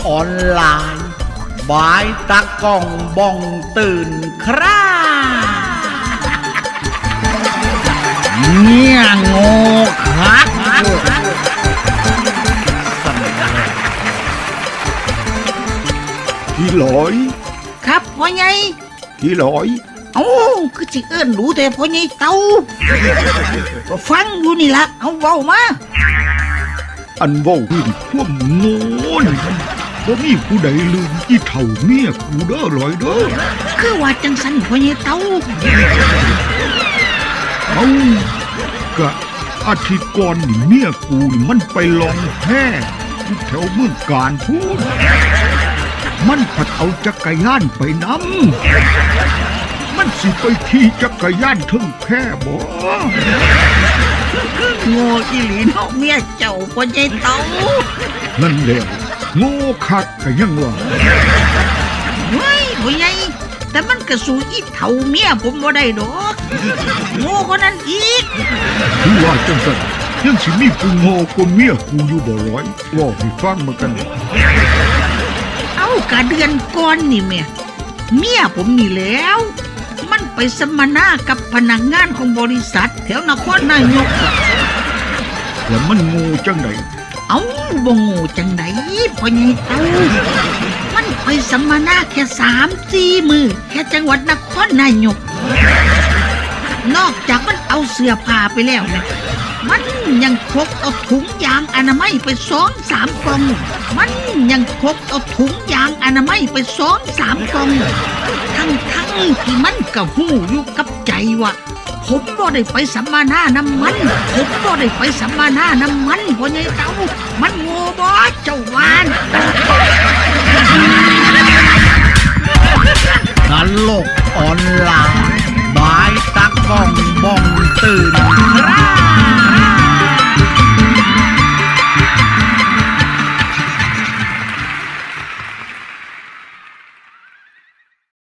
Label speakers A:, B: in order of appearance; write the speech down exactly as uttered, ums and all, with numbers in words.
A: ออนไลน์บายตากล้องบ้องตื่นคร่าเนี่ยโง่คัก
B: พี่ลอย
C: ครับพ่อใหญ่
B: พี่ลอย
C: เอ้าคือสิเอิ้นรู้แต่พ่อใหญ่เต่าก็ฟังอยู่นี่ละเอาเว้ามา
B: อันเว้าพื้นพวกโง่นี่บ่มีผู้ใดลืมอีเฒ่าเมียกูเด้อลอยเด้อ
C: คือว่าจังซั่นพ่อใหญ่เต่า
B: เอ้ากะอาทิตย์ก่อนนี่เมียกูนี่มันไปลองแพ้แถวเมืองการพูดมันผัดเอาจักรยานไปนำมันสิไปขี่จักรยานถึงแพ้บ่
C: โง่อีหลีเนาะเมียเจ้าพ่อใหญ่เต่า
B: นั่นแหละโง่คักก็ยังว่า
C: เฮ้ยพ่อใหญ่แต่มันก็สู้อีเฒ่าเมียผมบ่ได้ดอกโง่กว่านั้นอีก
B: คือว่าจังซั่นยังสิมีผู้โง่กว่าเมียกูอยู่บ่ร้อยว่าให้ฟังมากัน
C: เอากะเดือนก่อนนี่แม่เมียผมนี่แล้วมันไปสัมมนากับพนักงานของบริษัทแถวนครนายก
B: แล้วมันโง่จังได๋
C: เอ้าบ่โง่จังได๋พ่อใหญ่เต่ามันไปสัมมนาแค่ สามสี่ มื้อแค่จังหวัดนครนายกนอกจากมันเอาเสื้อผ้าไปแล้วนะมันยังพกเอาถุงยางอนามัยไป สองสาม กล่องมันยังพกเอาถุงยางอนามัยไป สองสาม กล่องทั้งทั้งที่มันก็ฮู้อยู่กับใจว่าผมบ่ได้ไปสัมมนาน้ำมันผมบ่ได้ไปสัมมนาน้ำมันพ่อใหญ่เต่ามันโง่บ่เจ้าวาน
A: ตลกออนไลน์บายตากล้องบ้องตื่นคร่า